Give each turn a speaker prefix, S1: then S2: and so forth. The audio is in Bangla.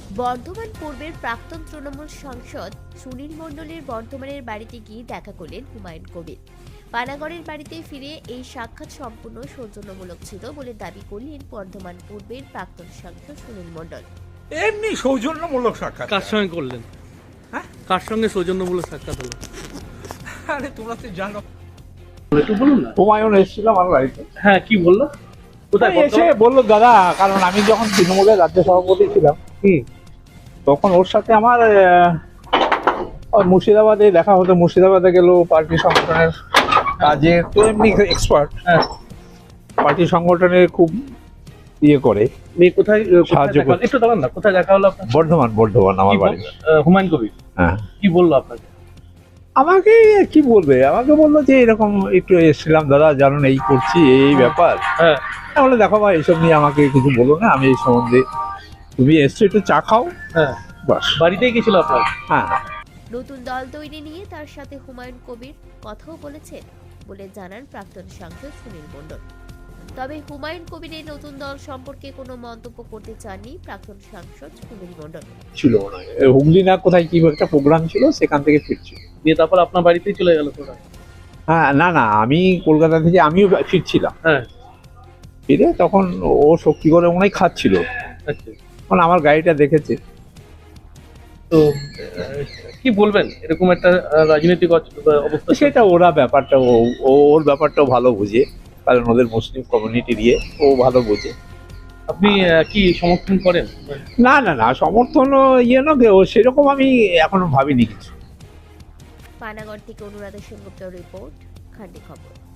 S1: বর্ধমান পূর্বের প্রাক্তন তৃণমূল সাংসদ সুনীল মণ্ডলের বর্ধমানের বাড়িতে গিয়ে দেখা করলেন হুমায়ুন কবির। পানাগড়ের বাড়িতে ফিরে এই সাক্ষাৎ সম্পূর্ণ সৌজন্যমূলক ছিল বলে দাবি করলেন বর্ধমান পূর্বের প্রাক্তন সাংসদ সুনীল মণ্ডল।
S2: এমনি সৌজন্যমূলক সাক্ষাৎ।
S3: কার সঙ্গে করলেন?
S2: হ্যাঁ?
S3: কার সঙ্গে সৌজন্যমূলক সাক্ষাৎ হলো?
S2: আরে তোমরা তো জানো,
S3: একটু বলুন না।
S4: হুমায়ুন এসেছিল আমার বাড়িতে,
S3: হ্যাঁ, কি বললো? কোথায়
S4: এসে বললো দাদা, কারণ আমি যখন তৃণমূলের রাজ্য সভাপতি ছিলাম তখন ওর সাথে আমার ওই মুর্শিদাবাদে দেখা হতো। মুর্শিদাবাদে গেল পার্টি সংগঠনের কাজে, তো এমনি এক্সপার্ট,
S3: হ্যাঁ,
S4: পার্টি সংগঠনে খুব ইয়ে করে।
S3: মেয়ে কোথায়
S4: সাহায্য
S3: দেখা হলো?
S4: করতে।
S3: একটু দাঁড়ান না, কোথায় দেখা হলো আপনার?
S4: বর্ধমান আমার
S3: কি
S4: বাড়ি।
S3: হুমায়ুন কবির
S4: হ্যাঁ,
S3: কি বললো আপনাকে?
S4: আমাকে কি বলবে, আমাকে বললো যে এরকম একটু এসেছিলাম দাদা, জানুন এই করছি, এই ব্যাপার।
S3: হ্যাঁ,
S4: তাহলে দেখো ভাই, এইসব নিয়ে আমাকে কিছু বলো না, আমি এই সম্বন্ধে, তুমি এসছো একটু চা খাও,
S3: হ্যাঁ,
S4: বাস।
S3: বাড়িতেই গেছিল আপনার?
S4: হ্যাঁ,
S1: নতুন দল তৈরি নিয়ে তার সাথে হুমায়ুন কবির কথাও বলেছেন বলে জানান প্রাক্তন সাংসদ সুনীল মণ্ডল। তবে হুমায়ুন কবিরের নতুন দল সম্পর্কে কোনো মন্তব্য করতে চাননি প্রাক্তন সাংসদ সুনীল মণ্ডল।
S4: ছিল না, হুগলি না কোথায় কি একটা প্রোগ্রাম ছিল, সেখান থেকে ফিরছি।
S3: দিয়ে তারপর আপনার বাড়িতেই চলে গেল তোরা?
S4: হ্যাঁ, না না, আমি কলকাতা থেকে আমিও ফিরছিলাম।
S3: হ্যাঁ,
S4: ফিরে তখন ও শক্তি করে মনে হয় খাচ্ছিল,
S3: আচ্ছা।
S4: তখন আমার গাড়িটা দেখেছে।
S3: তো কি বলবেন এরকম একটা রাজনৈতিক অবস্থা?
S4: সেটা ওরা ব্যাপারটা, ওর ব্যাপারটাও ভালো বুঝে, কারণ ওদের মুসলিম কমিউনিটি দিয়ে ও ভালো বোঝে।
S3: আপনি কি সমর্থন করেন?
S4: না না না, সমর্থন ইয়ে না, ও সেরকম আমি এখনো ভাবিনি কিছু।
S1: পানাগড় থেকে অনুরাধা সেনগুপ্তের রিপোর্ট, খান্ডি খবর।